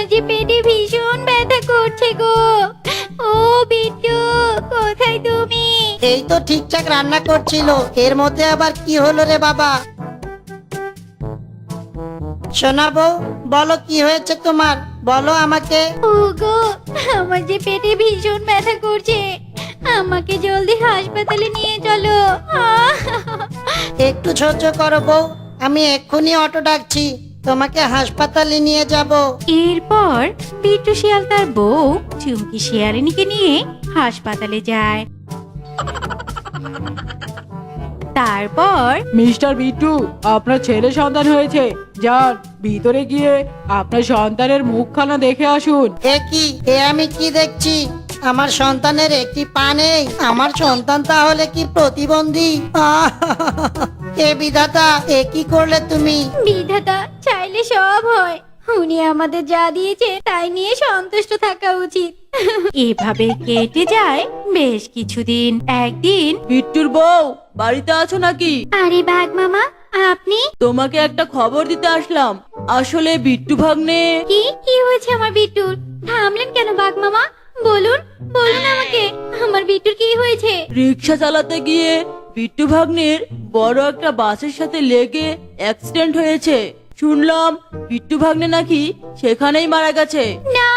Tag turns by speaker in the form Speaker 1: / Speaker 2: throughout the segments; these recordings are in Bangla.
Speaker 1: যে পেটে ভীষণ ব্যথা করছে গো। ও বিট্টু, কোথায় তুমি?
Speaker 2: এই তো ঠিকঠাক রান্না করছিল, এর মধ্যে আবার কি হলো রে বাবা? শোনাবো, বলো কি হয়েছে তোমার, বলো আমাকে।
Speaker 1: ওগো, আমার যে পেটে ভীষণ ব্যথা করছে, আমাকে জলদি হাসপাতালে নিয়ে চলো।
Speaker 2: একটু সহ্য করো বউ, আমি এক্ষুনি অটো ডাকছি, তোমাকে হাসপাতালে নিয়ে যাব।
Speaker 1: এরপর বিট্টু শিয়াল তার বউ চুমকি শিয়ালিনীকে নিয়ে হাসপাতালে যায়। তারপর
Speaker 3: মিস্টার বিট্টু, আপনার ছেলে সন্তান হয়েছে। যান, ভিতরে গিয়ে আপনার সন্তানের মুখখানা দেখে আসুন।
Speaker 2: এ কি, এ আমি কি দেখছি? আমার সন্তানের একটি পা নেই, আমার সন্তান তাহলে কি প্রতিবন্ধী? এ বিধাতা, এ কি করলে তুমি?
Speaker 1: বিধাতা চাইলে সব হয়, উনি আমাদের যা দিয়েছে তাই নিয়ে সন্তুষ্ট থাকা উচিত। এভাবে কেটে যায় বেশ কিছুদিন। একদিন,
Speaker 4: বিট্টুর বউ বাড়িতে আছো নাকি?
Speaker 1: আরে বাঘ মামা, আপনি?
Speaker 4: তোমাকে একটা খবর দিতে আসলাম। আসলে বিট্টু ভাগ্নে।
Speaker 1: কি কি হয়েছে আমার বিট্টুর? থামলেন কেন বাঘ মামা? বলুন বলুন আমাকে, আমার বিট্টুর কি হয়েছে?
Speaker 4: রিক্সা চালাতে গিয়ে বিট্টু ভাগ্নের বড় একটা বাসের সাথে লেগে অ্যাক্সিডেন্ট হয়েছে। শুনলাম বিট্টু ভাগ্নে নাকি সেখানেই মারা গেছে।
Speaker 1: না,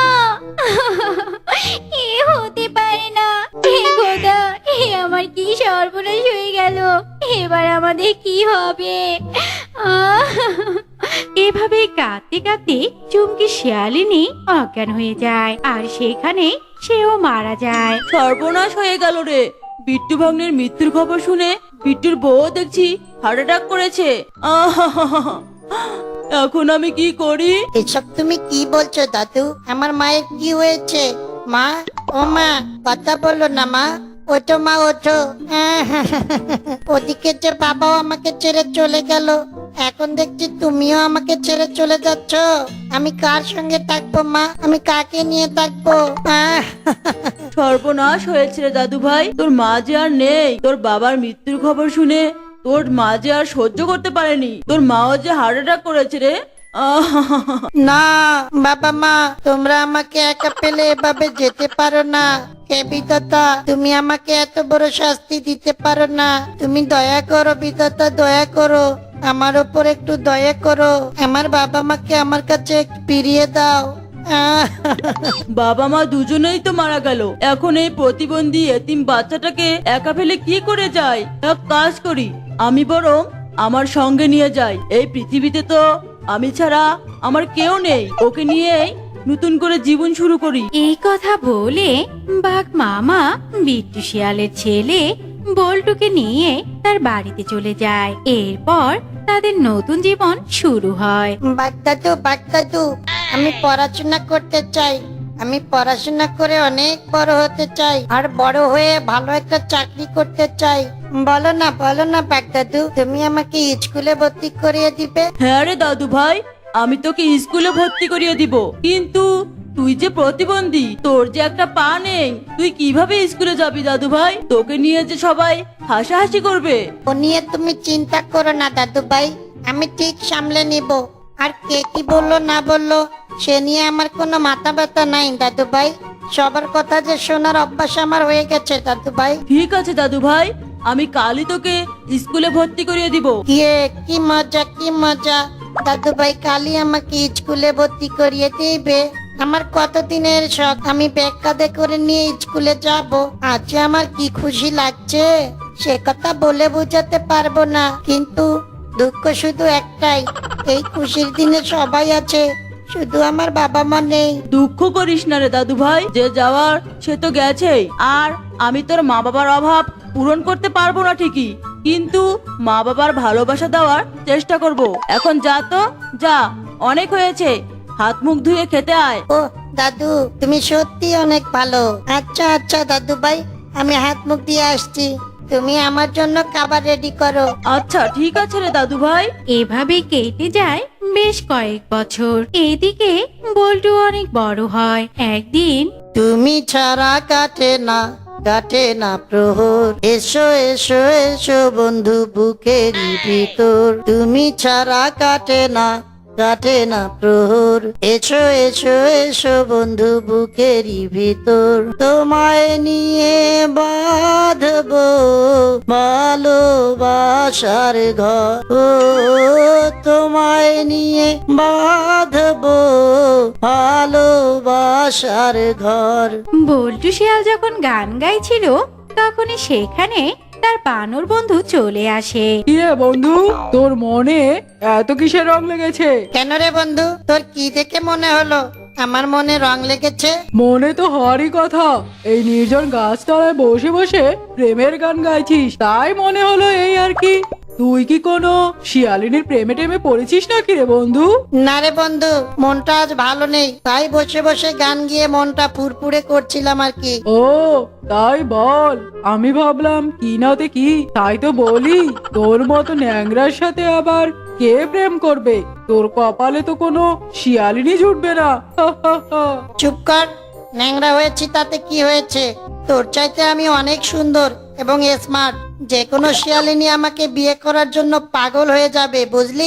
Speaker 1: এ হতে পারে না। হে খোদা, এ আমার কি সর্বনাশ হয়ে গেল, এবার আমাদের কি হবে? এভাবে কাঁদতে কাঁদতে চুমকি শিয়ালিনী অজ্ঞান হয়ে যায়, আর সেখানে সেও মারা যায়।
Speaker 4: সর্বনাশ হয়ে গেল রে। বিট্টু ভাগ্নের মৃত্যুর খবর শুনে বিট্টুর বউ দেখছি হার্ট অ্যাটাক করেছে। এখন আমি কি করি?
Speaker 2: এসব তুমি কি বলছো দাদু? আমার মায়ের কি হয়েছে? মা, ও মা, কথা বলো না মা। ওঠো মা, ওঠো। ওদিকে যে বাবাও আমাকে ছেড়ে চলে গেল, এখন দেখছি তুমিও আমাকে ছেড়ে চলে যাচ্ছ। আমি কার সঙ্গে থাকবো মা? আমি কাকে নিয়ে থাকবো?
Speaker 4: সর্বনাশ হয়েছে রে দাদু ভাই, তোর মা যে আর নেই। তোর বাবার মৃত্যুর খবর শুনে তোর মা যে আর সহ্য করতে পারেনি, তোর মাও যে হার্ট অ্যাটাক করেছে রে।
Speaker 2: না বাবা মা, তোমরা আমাকে একা পেলে এভাবে যেতে পারো না। হে বিধাতা, তুমি আমাকে এত বড় শাস্তি দিতে পারো না। তুমি দয়া করো বিধাতা, দয়া করো, আমার ওপর একটু দয়া করো। আমার বাবা মাকে আমার কাছে ফিরিয়ে দাও।
Speaker 4: বাবা মা দুজনেই তো মারা গেল, এখন এই প্রতিবন্ধী এতিম বাচ্চাটাকে একা ফেলে কি করে যায়? এক কাজ করি, আমি বরং আমার সঙ্গে নিয়ে যাই। এই পৃথিবীতে তো আমি ছাড়া আমার কেউ নেই, ওকে নিয়েই নতুন করে জীবন শুরু করি।
Speaker 1: এই কথা বলে বাঘ মামা বিট্টু শিয়ালের ছেলে বল্টুকে নিয়ে তার বাড়িতে চলে যায়। এরপর তাদের নতুন জীবন শুরু হয়।
Speaker 2: বাগদাদু, বাগদাদু, আমি পড়াশোনা করতে চাই। আমি পড়াশোনা করে অনেক বড় হতে চাই, আর বড় হয়ে ভালো একটা চাকরি করতে চাই। বলো না বাগদাদু, তুমি আমাকে স্কুলে ভর্তি করিয়ে দিবে?
Speaker 4: হ্যাঁ রে দাদু ভাই, আমি তোকে স্কুলে ভর্তি করিয়ে দিব, কিন্তু তুই যে প্রতিবন্ধী, তোর যে একটা পা নেই, তুই কিভাবে স্কুলে যাবি দাদু ভাই? তোকে নিয়ে যে সবাই হাসাহাসি করবে।
Speaker 2: ও নিয়ে তুমি চিন্তা করো না দাদু ভাই, আমি ঠিক সামলে নিব। আর কে কি বললো না বললো সে নিয়ে আমার কোনো মাথা ব্যথা নাই দাদু ভাই। সবার কথা যে শোনার অভ্যাস আমার হয়ে গেছে দাদু ভাই।
Speaker 4: ঠিক আছে দাদু ভাই, আমি কালই তোকে স্কুলে ভর্তি করিয়ে দিব।
Speaker 2: ইয়ে, কি মজা কি মজা! দাদু ভাই কালই আমাকে স্কুলে ভর্তি করিয়ে দিবে। আমার কতদিনের শখ, আমি ব্যাগ কাঁধে করে নিয়ে স্কুলে যাব। আজ আমার কি খুশি লাগছে, সে কথা বলে বোঝাতে পারবো না। কিন্তু দুঃখ শুধু একটাই, এই খুশির দিনে সবাই আছে, শুধু আমার বাবা মা নেই।
Speaker 4: দুঃখ করিস না রে দাদু ভাই, যে যাওয়ার সে তো গেছেই। আর আমি তোর মা বাবার অভাব পূরণ করতে পারবো না ঠিকই, কিন্তু মা বাবার ভালোবাসা দেওয়ার চেষ্টা করব। এখন যা তো যা, অনেক হয়েছে, হাত মুখ ধুয়ে খেতে আয়।
Speaker 2: ও দাদু, তুমি সত্যি অনেক ভালো। আচ্ছা আচ্ছা দাদু ভাই, আমি হাত মুখ দিয়ে আসছি, তুমি আমার জন্য খাবার রেডি করো।
Speaker 4: আচ্ছা ঠিক আছে রে দাদু ভাই।
Speaker 1: এভাবে কেটে যায় বেশ কয়েক বছর। এদিকে বল্টু অনেক বড় হয়। একদিন,
Speaker 2: তুমি ছাড়া কাটে না প্রহর, এসো এসো এসো বন্ধু বুকের ভিতর। তুমি ছাড়া কাটে না প্রহর। এসো এসো এসো বন্ধু বুকেরই ভিতর, তোমায় নিয়ে বাঁধবো ভালোবাসার ঘর। ও তোমায় নিয়ে বাঁধবো ভালোবাসার ঘর।
Speaker 1: বল্টু শিয়াল যখন গান গাইছিল তখনই সেখানে তার বানর বন্ধু চলে আসে।
Speaker 3: কি রে বন্ধু, তোর মনে এত কিসের রং লেগেছে?
Speaker 2: কেন রে বন্ধু, তোর কি দেখে মনে হলো আমার মনে রং লেগেছে?
Speaker 3: মনে তো হওয়ারই কথা, এই নির্জন গাছতলায় বসে বসে প্রেমের গান গাইছিস, তাই মনে হলো এই আর কি। তুই কি কোনো শিয়ালিনীর প্রেমে টেমে পড়েছিস নাকি রে বন্ধু?
Speaker 2: না রে বন্ধু, মনটা আজ ভালো নেই, তাই বসে বসে গান গিয়ে মনটা ফুরফুরে করছিলাম আর কি।
Speaker 3: ও তাই বল, আমি ভাবলাম কি নাতে কি, তাই তো বলি তোর মতো ন্যাংরার সাথে আবার কে প্রেম করবে? তোর কপালে তো কোনো শিয়ালিনী জুটবে না।
Speaker 2: চুপ কর, ন্যাংরা হয়েছি তাতে কি হয়েছে? তোর চাইতে আমি অনেক সুন্দর এবং স্মার্ট, যে কোনো শিয়ালিনী আমাকে বিয়ে করার জন্য পাগল হয়ে যাবে, বুঝলি?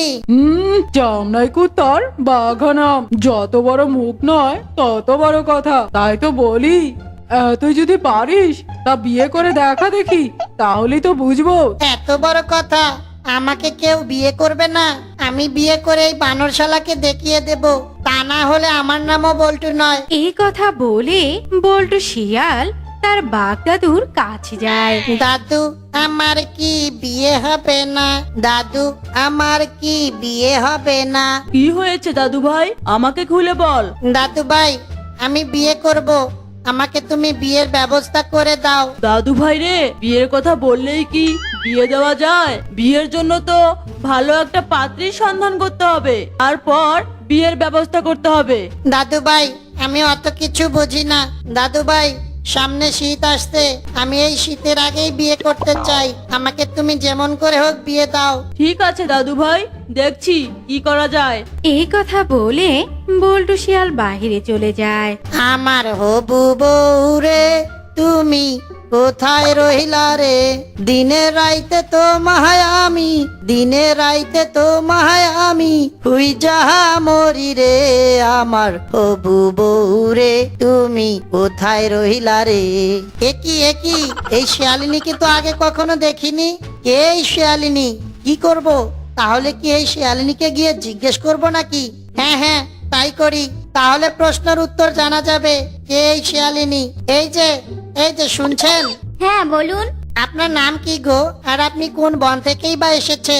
Speaker 3: জামনাই কুত্তার বাঘানাম, যত বড় মুখ নয় তত বড় কথা, তাই তো বলি তুই যদি পারিস তা বিয়ে করে দেখা দেখি, তাহলেই তো বুঝবো।
Speaker 2: এত বড় কথা, আমাকে কেউ বিয়ে করবে না? আমি বিয়ে করে এই বানরশালাকে দেখিয়ে দেব, তা না হলে আমার নামও বল্টু নয়।
Speaker 1: এই কথা বলে বল্টু শিয়াল তার বাঘ দাদুর কাছে যায়।
Speaker 2: দাদু, আমার কি বিয়ে হবে না? দাদু, আমার কি বিয়ে হবে না?
Speaker 4: কি হয়েছে দাদু ভাই, আমাকে খুলে বল।
Speaker 2: দাদু ভাই, আমি বিয়ে করব, আমাকে তুমি বিয়ের ব্যবস্থা করে দাও।
Speaker 4: দাদু ভাই রে, বিয়ের কথা বললেই কি বিয়ে দেওয়া যায়? বিয়ের জন্য তো ভালো একটা পাত্রীর সন্ধান করতে হবে, তারপর বিয়ের ব্যবস্থা করতে হবে।
Speaker 2: দাদু ভাই, আমি অত কিছু বুঝি না। দাদু ভাই, সামনে শীত আসছে, আমি এই শীতের আগেই বিয়ে করতে চাই, আমাকে তুমি যেমন করে হোক বিয়ে দাও।
Speaker 4: ঠিক আছে দাদু ভাই, দেখছি কি করা যায়।
Speaker 1: এই কথা বলে বল্টু শিয়াল বাহিরে চলে যায়।
Speaker 2: আমার হবু বউ রে, তুমি কোথায় রহিলা রে? দিনে রাইতে তো মায়ামি, দিনে রাইতে তো মায়ামি, হুই যাহা মরি রে। আমার হবু বউ রে, তুমি কোথায় রহিলা রে? একই এই শিয়ালিনীকে তো আগে কখনো দেখিনি। কে এই শিয়ালিনী? কি করব? তাহলে কি এই শিয়ালিনীকে গিয়ে জিজ্ঞেস করব নাকি? হ্যাঁ হ্যাঁ, তাই করি, তাহলে প্রশ্নের উত্তর জানা যাবে কে এই শিয়ালিনী। এই যে শুনছেন?
Speaker 5: হ্যাঁ বলুন।
Speaker 2: আপনার নাম কি গো, আর আপনি কোন বন থেকেই বা এসেছেন?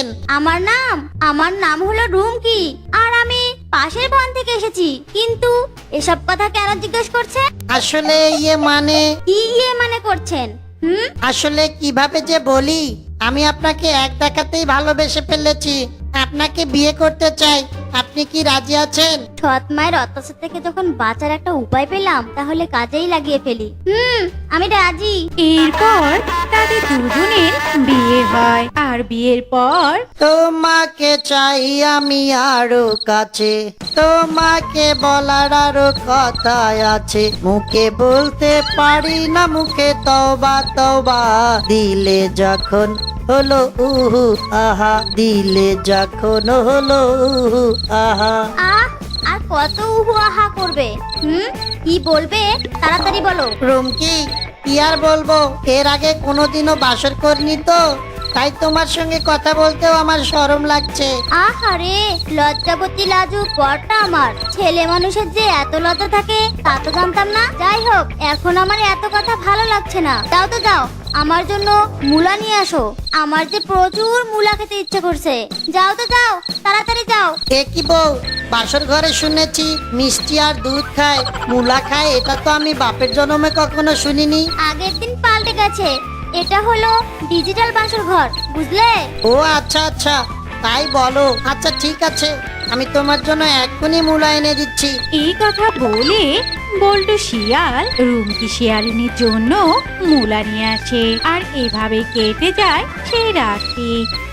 Speaker 5: আমার নাম হলো রুমকি, আর আমি পাশের বন থেকে এসেছি। কিন্তু এসব কথা কেন জিজ্ঞেস করছে?
Speaker 2: আসলে মানে
Speaker 5: কি মানে করছেন?
Speaker 2: আসলে কিভাবে যে বলি, আমি আপনাকে এক দেখাতেই ভালোবেসে ফেলেছি, আপনাকে বিয়ে করতে চাই, আপনি কি রাজি আছেন?
Speaker 5: সৎ মায়ের অত্যাচার থেকে যখন বাঁচার একটা উপায় পেলাম, তাহলে কাজেই লাগিয়ে ফেলি। আমি রাজি।
Speaker 1: এরপর তাদের দুজনের বিয়ে হয়, আর বিয়ের পর
Speaker 2: তোমাকে চাই আমি আরো কাছে, তোমাকে বলার আরো কথা আছে, মুখে বলতে পারি না, মুখে তওবা তওবা, দিলে যখন হলো উহু আহা, দিলে যখন হলো উহু আহা।
Speaker 5: আর কত উহু আহা করবে? কি বলবে তাড়াতাড়ি বলো।
Speaker 2: রুমকি, কি আর বলবো, এর আগে কোনোদিনও বাসর করিনি তো, তাই তোমার সঙ্গে কথা বলতেও আমার শরম লাগছে।
Speaker 5: আহারে, লজ্জাবতী লাজুক বরটা আমার। ছেলে মানুষের যে এত লজ্জা থাকে তা তো জানতাম না। যাই হোক, এখন আমার এত কথা ভালো লাগছে না। যাও তো যাও, আমার জন্য মূলা নিয়ে আসো, আমার যে প্রচুর মূলা খেতে ইচ্ছে করছে। যাও তো যাও, তাড়াতাড়ি যাও।
Speaker 2: এ কি বউ, বাসর ঘরে শুনেছি মিষ্টি আর দুধ খায়, মূলা খায়, এটা তো আমি বাপের জন্মে কখনো শুনিনি।
Speaker 5: আগের দিন পাল্টে গেছে, এটা হলো ডিজিটাল বাসর ঘর, বুঝলে?
Speaker 2: ও আচ্ছা আচ্ছা, তাই বলো। আচ্ছা ঠিক আছে, আমি তোমার জন্য এক্ষুনি মূলা এনে দিচ্ছি।
Speaker 1: এই কথা বলে বল্টু শিয়াল রুমকি শিয়ালিনীর জন্য মূলা নিয়ে আসে, আর এভাবে কেটে যায় সেই রাতটি।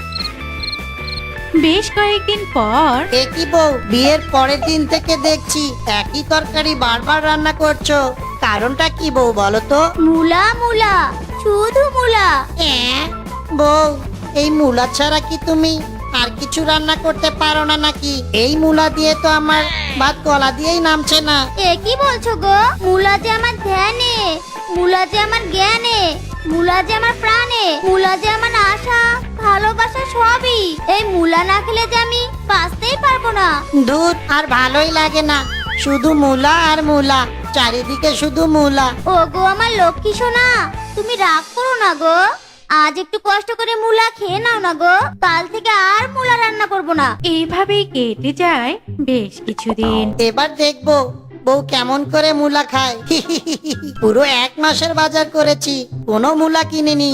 Speaker 1: বেশ কয়েকদিন পর
Speaker 2: এ কি বউ, বিয়ের পরের দিন থেকে দেখছি একই তরকারি বারবার রান্না করছো, কারণটা কি বউ বলো তো?
Speaker 5: মূলা মূলা, শুধু মূলা।
Speaker 2: বউ, এই মূলা ছাড়া কি তুমি আর কিছু রান্না করতে পারো না নাকি? এই মূলা দিয়ে তো আমার ভাত গলা দিয়েই নামছে না।
Speaker 5: এ কি বলছো গো? মূলা যে আমার ধ্যানে, মূলা যে আমার জ্ঞানে, মূলা যে আমার প্রাণে, মূলা যে আমার আশা ভালোবাসা সবই। এই মূলা না খেলে যে আমি বাঁচতেই পারবো না।
Speaker 2: দুধ আর ভালোই লাগে না, শুধু মূলা আর মূলা, চারিদিকে শুধু মূলা।
Speaker 5: ও গো আমার লক্ষ্মী সোনা, তুমি রাগ করো না গো। আজ একটু কষ্ট করে মূলা খেয়ে নাও না গো, কাল থেকে আর মূলা রান্না করবো না।
Speaker 1: এইভাবেই কেটে যায় বেশ কিছুদিন।
Speaker 2: এবার দেখবো বউ কেমন করে মূলা খায়। পুরো 1 মাসের বাজার করেছি, কোনো মূলা কিনিনি।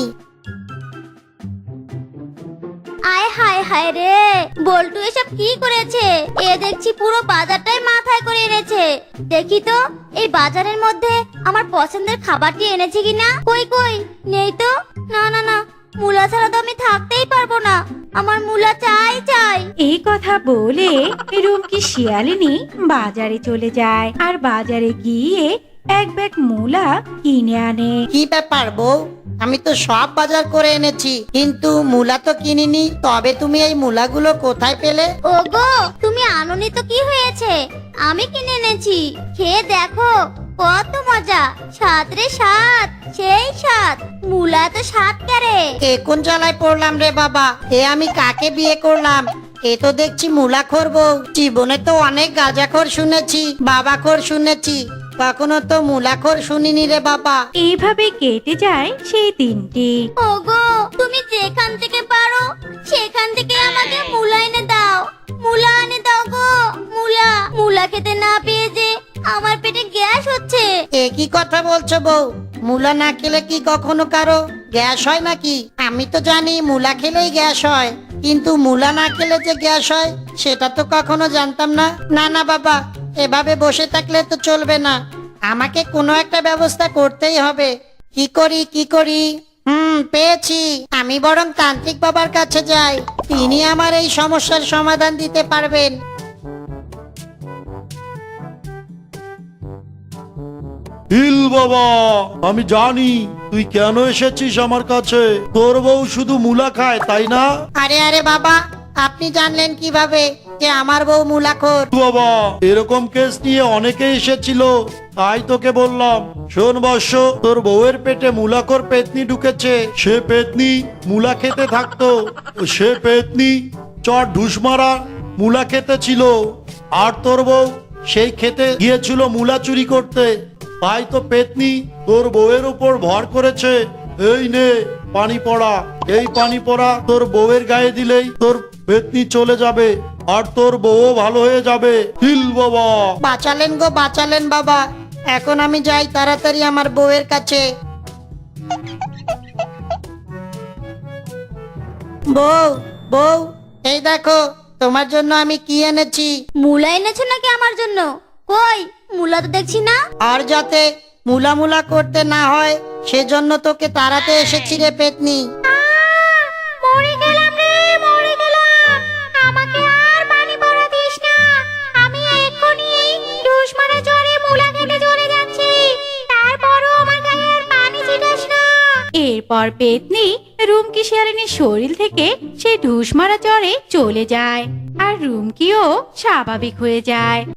Speaker 5: আয় হায় হায় রে, বল্টু এসব কি করেছে? এ দেখছি পুরো বাজারটাই মাথায় করে এনেছে। দেখি তো এই বাজারের মধ্যে আমার পছন্দের খাবারটি এনেছে কিনা। কই কই, নেই তো। না না না, মূলা ছাড়া তো আমি থাকতেই পারবো না। আমার মূলা চাই চাই।
Speaker 1: এই কথা বলে রুমকি শিয়ালিনী বাজারে চলে যায় আর বাজারে গিয়ে এক ব্যাগ মূলা কিনে আনে।
Speaker 2: কি ব্যাপার বউ, আমি তো সব বাজার করে এনেছি, কিন্তু মূলা তো কিনিনি। তবে তুমি এই মূলাগুলো কোথায় পেলে?
Speaker 5: ওগো তুমি আনোনি তো কি হয়েছে, আমি কিনে এনেছি। খেয়ে দেখো কত মজা, স্বাদ রে স্বাদ, সেই স্বাদ। মূলা তো স্বাদ কেরে।
Speaker 2: এ কোন জ্বালায় পড়লাম রে বাবা, এ আমি কাকে বিয়ে করলাম? এ তো দেখছি মূলাখোর বউ। জীবনে তো অনেক গাঁজাখোর শুনেছি, বাবাখোর শুনেছি, কখনো তো মূলাখোর শুনিনি রে বাবা।
Speaker 1: এইভাবে কেটে যায় সেই দিনটি।
Speaker 5: ওগো তুমি যেখান থেকে পারো সেখান থেকে আমাকে মূলা এনে দাও, মূলা এনে দাও গো। মূলা মূলা খেতে না পেয়ে যে আমার পেটে গ্যাস হচ্ছে।
Speaker 2: এ কি কথা বলছো বউ? মূলা না খেলে কি কখনো কারো গ্যাস হয় নাকি? আমি তো জানি মূলা খেলেই গ্যাস হয়, কিন্তু মূলা না খেলে যে গ্যাস হয় সেটা তো কখনো জানতাম না। না না বাবা, এভাবে বসে থাকলে তো চলবে না, আমাকে কোনো একটা ব্যবস্থা করতেই হবে। কি করি কি করি? পেয়েছি, আমি বরং তান্ত্রিক বাবার কাছে যাই, তিনি আমার এই সমস্যার সমাধান দিতে পারবেন।
Speaker 6: হিল বাবা, আমি জানি তুই কেন এসেছিস আমার কাছে। তোর বউ শুধু মূলা খায়, তাই না?
Speaker 2: আরে আরে বাবা, আপনি জানলেন কিভাবে যে আমার বউ মূলাখোর?
Speaker 6: বাবা, এরকম কেস নিয়ে অনেকে এসেছিল, তাই তোকে বললাম। শোন বর্ষ, তোর বউয়ের পেটে মূলাখোর পেতনি ঢুকেছে। সে পেতনি মূলা খেতে থাকতো, সে পেতনি চট ঢুস মারা মূলা খেতে ছিল, আর তোর বউ সেই খেতে গিয়েছিল মূলা চুরি করতে। তাই তো পেতনি তোর বউয়ের উপর ভর করেছে। এই নে পানি পড়া, এই পানি পড়া তোর বউয়ের গায়ে দিলেই তোর পেতনি চলে যাবে, আর তোর বউ ভালো হয়ে যাবে। হিল বাবা।
Speaker 2: বাঁচালেন গো বাঁচালেন বাবা, এখন আমি যাই তাড়াতাড়ি আমার বউয়ের কাছে। বউ বউ, এই দেখো তোমার জন্য আমি কি এনেছি।
Speaker 5: মূলা এনেছো নাকি আমার জন্য? কই মূলা তো দেখছি না।
Speaker 2: আর যাতে মূলা মূলা করতে না হয় সেজন্য তোকে তাড়াতে এসেছি রে পেতনি।
Speaker 5: মরে গেলাম রে, মরে গেলাম। আমাকে আর পানি পড়া দিস না, আমি এক্ষুনি ঢুস মারা জ্বরে মূলা খেতে চলে যাচ্ছি। তারপরও আমার গায়ে আর পানি ছিটাস না।
Speaker 1: এরপর পেতনি রুমকি শিয়ালিনীর শরীর থেকে সেই ঢুস মারা জ্বরে চলে যায় আর রুমকিও স্বাভাবিক হয়ে যায়।